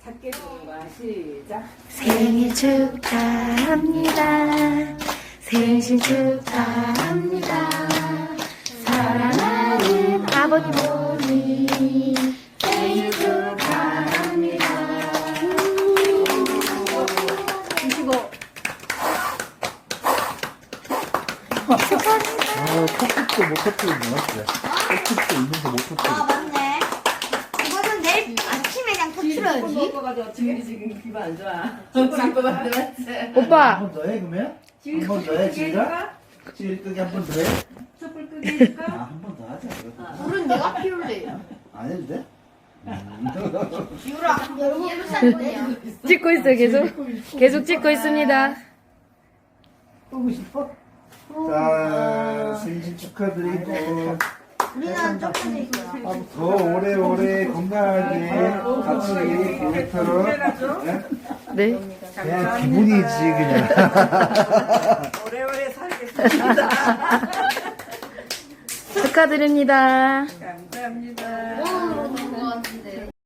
작게 부는 거야. 시작. 생일 축하합니다. 생신 축하합니다. 사랑하는 아버님 어머니 생일 축하합니다. 드시고. 컵도 못 터뜨리는 거야? 컵도 있는데 못 터뜨리는 아 맞네. 이거는 내일 아침에 그냥 터트려야지. 먹어가지고 지금 기분 안 좋아. 지금 거 맞지? 오빠 한번 더 해, 그러면? 한 번 더 해, 지희가? 지희 끄기 한 번 더 해? 촛불 끄게 해줄까? 한 번 더 하자. 물은 내가 피울래. 안 해도 돼? 지우라. 여러분 살 거냐? 찍고 있어요. 계속 찍고 있습니다. 끄고 싶어? 자, 생신 축하드리고, 우리는 조금 있어요. 더 오래오래 건강하게 같이 오래도록. 네. 그냥 기분이지, 그냥. 오래오래 살겠습니다. 축하드립니다. 감사합니다. 오늘 오는 거 같은데.